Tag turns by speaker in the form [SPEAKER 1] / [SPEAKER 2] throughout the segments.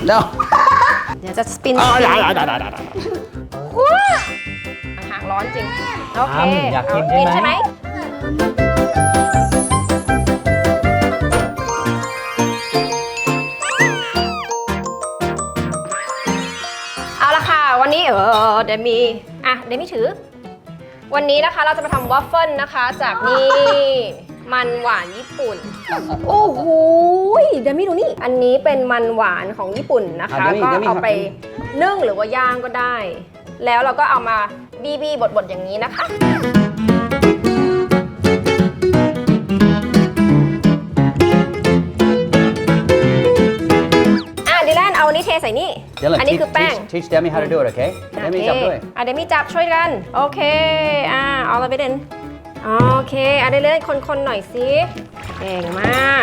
[SPEAKER 1] no
[SPEAKER 2] เดี๋ยวจะสปิน
[SPEAKER 1] ได้
[SPEAKER 2] หางร้อนจริง โอเค
[SPEAKER 3] อยากกินใช่ไหม
[SPEAKER 2] เอาละค่ะ วันนี้เดมี่เดมี่ถือ วันนี้นะคะเราจะมาทำวัฟเฟิลนะคะจากนี่มันหวานญี่ปุ่น โอ้โหเดมี่ดูนี่ อันนี้เป็นมันหวานของญี่ปุ่นนะคะ ก็เอาไปนึ่งหรือว่าย่างก็ได้ แล้วเราก็เอามาบี้บดอย่างนี้นะคะดิแลนเอาอันนี้เทใส่นี่ อันนี้คือแป้ง
[SPEAKER 1] teach Demi how to do it okay Demi จับด้วย
[SPEAKER 2] เดมี่จับช่วยกัน โอเคเอาเราไปเด่นโอเคเดมี่คนๆหน่อยสิเก่งมาก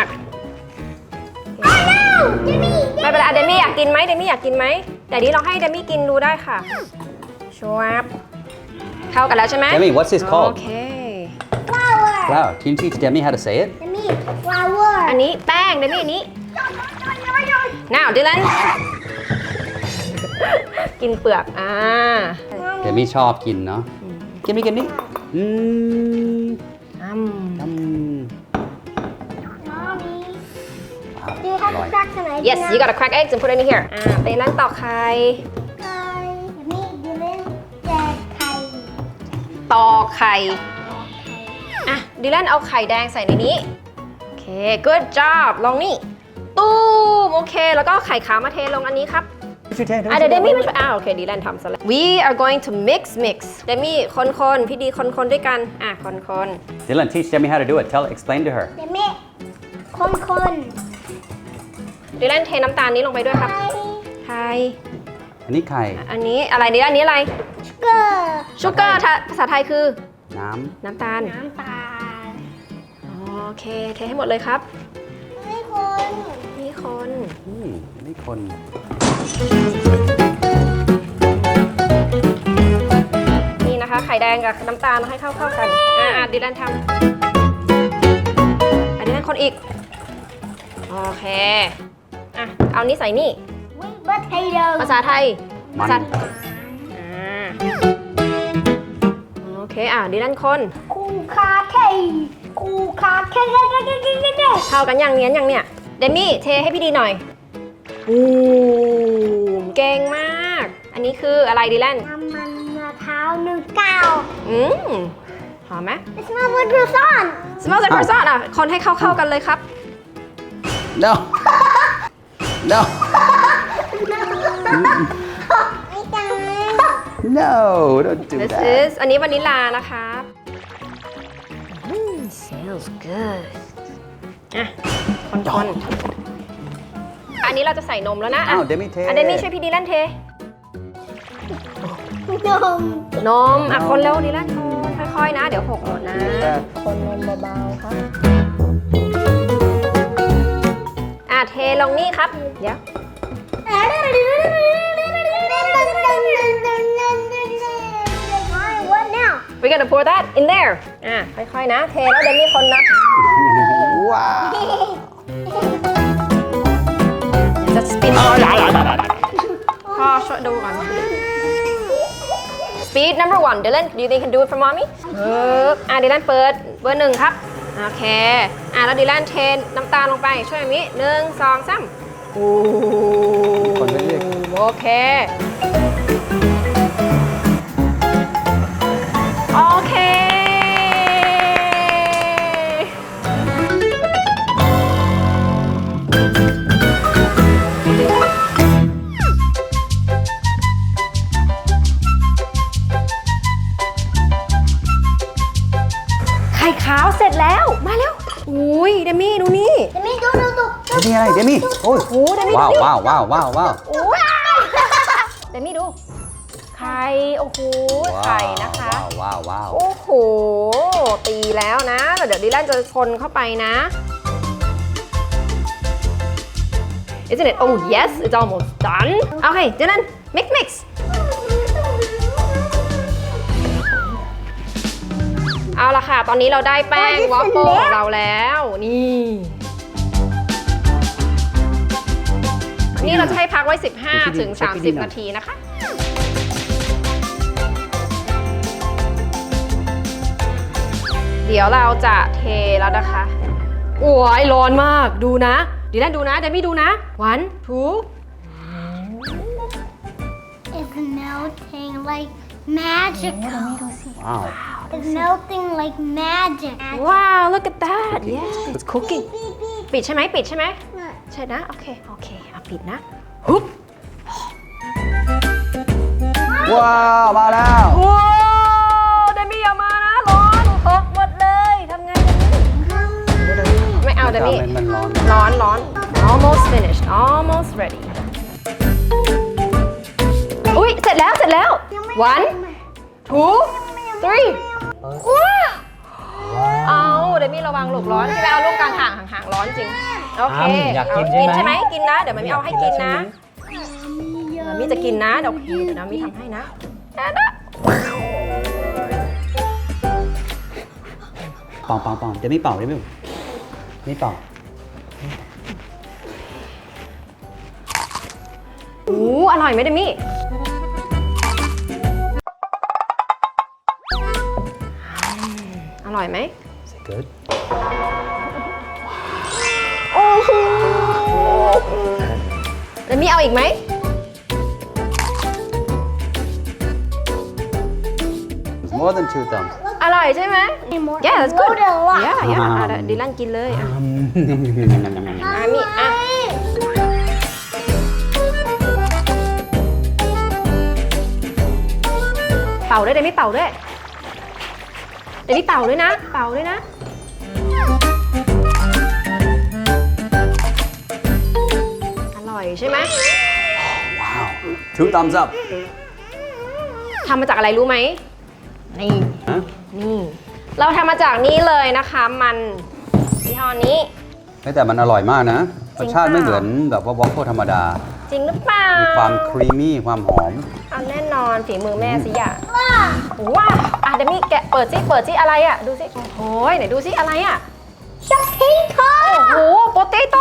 [SPEAKER 2] ไม่เป็นไรเดมี่อยากกินไหมเดมี่อยากกินไหมแต่นี้เราให้เดมี่กินดูได้ค่ะชัวร์เข้ากันแล้วใช่ไหม
[SPEAKER 1] Demi what's this
[SPEAKER 2] โอ
[SPEAKER 1] called
[SPEAKER 2] เค
[SPEAKER 1] flour can you teach Demi how to say it
[SPEAKER 4] flower
[SPEAKER 2] อันนี้แป้งเดมี่อันนี้ now ดิแลนกินเปลือก
[SPEAKER 1] Demi ชอบกินเนาะกินนี่
[SPEAKER 4] Mommy
[SPEAKER 1] อ
[SPEAKER 4] do you have to crack some eggs
[SPEAKER 2] yes you gotta crack eggs and put it in here ดิแลนตอกไข่
[SPEAKER 4] Mommy do this แจกไข่
[SPEAKER 2] ตอกไข่ดิแลนเอาไข่แดงใส่ในนี้โอเค good job ลงนี่ตูมโอเคแล้วก็ไข่ขาวมาเทลงอันนี้ครับเดี๋ยวเดมี่มาช่วยโอเคดีแลนทำซะแล้ว we are going to mix เดมี่คนพี่ดีคนด้วยกันคน
[SPEAKER 1] Dylan teach Demi how to do it explain to her
[SPEAKER 4] เดมี่คน
[SPEAKER 2] ดีแลนเทน้ำตาลนี้ลงไปด้วยครับไข่
[SPEAKER 1] อันนี้ไข่
[SPEAKER 2] อันนี้อะไรดีอันนี้อะไร
[SPEAKER 4] ชูเกอร์
[SPEAKER 2] ภาษาไทยคือ
[SPEAKER 1] น้ำ
[SPEAKER 2] ตาล
[SPEAKER 4] น้ำตาล
[SPEAKER 2] โอเคเทให้หมดเลยครับ
[SPEAKER 4] ไม่คน
[SPEAKER 2] นี่คน
[SPEAKER 1] นี่คน
[SPEAKER 2] นี่นะคะไข่แดงกับน้ำตาลให้เข้ากันดีแลนทำดีแลนคนอีกโอเคเอานี้ใส่นี่
[SPEAKER 4] potato
[SPEAKER 2] ภาษาไทย
[SPEAKER 1] มัน
[SPEAKER 2] โอเคดีแลนคน
[SPEAKER 4] คูคาเค
[SPEAKER 2] เข้ากันอย่างเนี้ยอย่างเนี้ยเดมี่เทให้พี่ดีหน่อยเก่งมากอันนี้คืออะไรดีแลน
[SPEAKER 4] น้ำมันมะพร้าว
[SPEAKER 2] หอมไหม
[SPEAKER 4] It smells like croissant
[SPEAKER 2] smells like croissant คนให้เข้ากันเลยครับ
[SPEAKER 1] no no
[SPEAKER 4] ไม่จัง
[SPEAKER 1] no don't do
[SPEAKER 2] this
[SPEAKER 1] that
[SPEAKER 2] is อันนี้วานิลลานะคะsmells good คนอันนี้เราจะใส่นมแล้วนะ
[SPEAKER 1] เดมี่เท
[SPEAKER 2] เดมี่ช่วยพี่ดีแลนเท
[SPEAKER 4] นม
[SPEAKER 2] คนเร็วดีแลนคนค่อยๆนะเดี๋ยวหกหมดนะคนนมเบาๆครับเทลงนี่ครับเดี๋ยว
[SPEAKER 4] What now
[SPEAKER 2] we're gonna pour that in there ค่อยๆนะเทแล้วเดมี่คนนะ
[SPEAKER 1] ว้าว
[SPEAKER 2] จะสปินพ่อช่วยดูก่อน speed number 1 Dylan do you think you can do it for mommy Dylan เปิดเบอร์ 1ครับโอเคแล้ว Dylan เทน้ำตาลลงไปช่วยมิ1 2 3
[SPEAKER 1] คนไม่เรียก
[SPEAKER 2] โอเคโอเคไข่ขาวเสร็จแล้วมาแล้วอุ้ยเดมี่ดูนี่
[SPEAKER 4] Demi ดู
[SPEAKER 1] Demi อะไร Demi โอ้ย
[SPEAKER 2] เดมี่
[SPEAKER 1] ว้าว
[SPEAKER 2] ดู
[SPEAKER 1] ว้าวว้าวว้าวว้าว
[SPEAKER 2] เดมี่ดูไข่โอ้โหไข่นะคะ
[SPEAKER 1] ว้าวว้าว
[SPEAKER 2] โอ้โหตีแล้วนะเดี๋ยวดิแลนจะคนเข้าไปนะ Isn't it? Oh yes, it's almost done. Okay, Dylan, mix. เอาละค่ะ ตอนนี้เราได้แป้งวอฟเฟิลของเราแล้ว นี่นี่เราจะให้พักไว้ 15 ถึง 30 นาทีนะคะ เดี๋ยวเราจะเทแล้วนะคะ โอ้ยร้อนมาก ดูนะดีแลนดูนะเดมี่ดูนะ 1 2
[SPEAKER 4] It's melting like magic.
[SPEAKER 1] ว้าว
[SPEAKER 4] It's melting like magic.
[SPEAKER 2] ว้าว look at that yes it's cooking ปิดใช่ไหมปิดใช่ไหมใช่นะ โอเค โอเคเอาปิดนะฮึบ
[SPEAKER 1] ว้าวมาแล้ว
[SPEAKER 2] ว้าวเดมี่อย่ามานะ ร้อนตกหมดเลยทำไงเดมี่ไม่เอาเดมี่
[SPEAKER 1] มันร้อน
[SPEAKER 2] ร้อน almost finished almost ready อุ้ยเสร็จแล้ว 1 2 3 ว้าวเอาเดมี่ระวังหลบร้อนใช่ไหมเอาลูกกลางห่างร้อนจริง โอเค
[SPEAKER 1] อยากกินใช่ไหม
[SPEAKER 2] กินนะ เดี๋ยวมันมีเอาให้กินนะมันมีจะกินนะ เดี๋ยวน้ำมีทำให้นะ
[SPEAKER 1] เป่าจะไม่เป่าได้ไหมไม่เป่า
[SPEAKER 2] อร่อยไหมเดมี่อร่อยไหม
[SPEAKER 1] good
[SPEAKER 2] โอ้โหเดมี่เอาอีกไหม
[SPEAKER 1] more than 2 thumbs
[SPEAKER 2] อร่อยใช่ไหม
[SPEAKER 4] More.
[SPEAKER 2] Yeah that's good
[SPEAKER 4] Load a lot.
[SPEAKER 2] yeah ดิลันกินเลยอ่ะมีอ่ะเป่าด้วยเดมี่เป่าด้วยเดมี่เป่าด้วยนะ เป่าด้วยนะ อร่อยใช่ไหม
[SPEAKER 1] ว้าว 2 thumbs up
[SPEAKER 2] ทำมาจากอะไรรู้ไหม นี่
[SPEAKER 1] ฮะ
[SPEAKER 2] นี่ เราทำมาจากนี้เลยนะคะ มันยี่ห้อนี้
[SPEAKER 1] แต่มันอร่อยมากนะ
[SPEAKER 2] จ
[SPEAKER 1] ร
[SPEAKER 2] ริง
[SPEAKER 1] สชาติไม่
[SPEAKER 2] เปล่า
[SPEAKER 1] เหมือนแบบว่าวอฟเฟิลธรรมดา
[SPEAKER 2] จริงหรือเปล่า
[SPEAKER 1] มีความครีมมี่ความหอม
[SPEAKER 2] เอาแน่นอนฝีมือแม่สิอย่าว้าวอ่ะเดมี่แกะเปิดซิอะไรอ่ะ ดูสิโอ้ยไหนดูซิอะไรอ่ะ
[SPEAKER 4] Potato.
[SPEAKER 2] โอ้โหโปเตโต้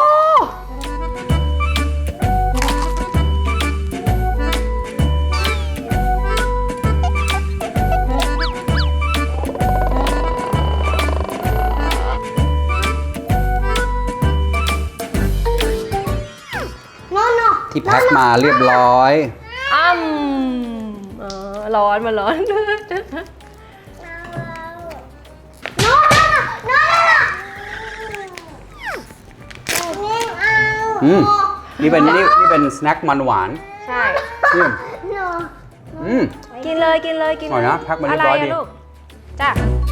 [SPEAKER 4] No.
[SPEAKER 1] ที่แพ็คมาเรียบร้อย
[SPEAKER 2] ร้อนมาร้อน
[SPEAKER 1] อืม นี่เป็นสแน็คมันหวาน
[SPEAKER 2] ใช่
[SPEAKER 1] อืม
[SPEAKER 4] No.
[SPEAKER 1] อืม
[SPEAKER 2] กินเลยกินเลยกิน
[SPEAKER 1] อร่อยนะแพ็คมาเรียบร้อยดี
[SPEAKER 2] ะไะลูกจ้ะ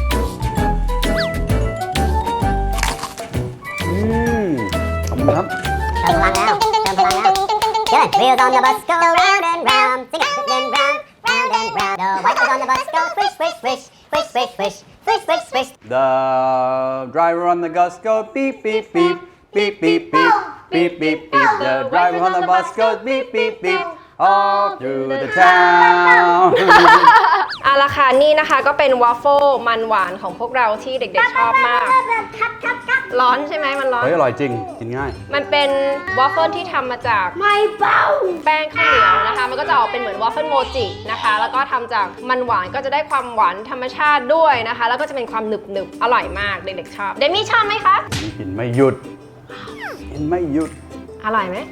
[SPEAKER 1] อืม ขอบคุณครับ
[SPEAKER 3] Turn around now. Turn around now. Good. Wheels on the bus go round and round. Sing it. Then round, round and round. The white wheels on the bus go swish, swish, swish, swish, swish, swish, swish, swish, swish.
[SPEAKER 1] The driver on the bus goes beep, beep, beep, beep, beep, beep, beep, beep, beep. The driver on the bus goes beep, beep, beep, all through the town.
[SPEAKER 2] เอาละค่ะนี่นะคะก็เป็นวอฟเฟิลมันหวานของพวกเราที่เด็กๆชอบมาก ร้อนใช่ไหมมันร้อน
[SPEAKER 1] เฮ้ย อร่อยจริง กินง่าย
[SPEAKER 2] มันเป็นวอฟเฟิลที่ทำมาจาก
[SPEAKER 4] My bow.
[SPEAKER 2] แป้งข้าวเหนียวนะคะ มันก็จะออกเป็นเหมือนวอฟเฟิลโมจินะคะ แล้วก็ทำจากมันหวานก็จะได้ความหวานธรรมชาติด้วยนะคะ แล้วก็จะเป็นความหนึบๆ อร่อยมากเด็กๆชอบ เดมี่ชอบไหมคะ
[SPEAKER 1] นี่กินไม่หยุด กินไม่หยุด
[SPEAKER 2] อร่อยไหม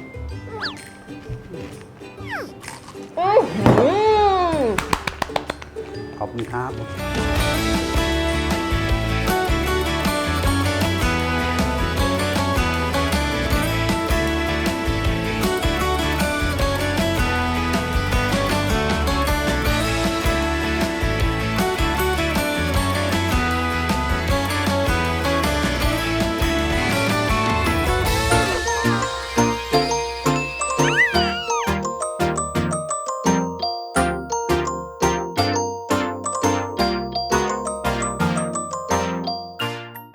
[SPEAKER 2] อื้อหือ
[SPEAKER 1] ขอบคุณครับ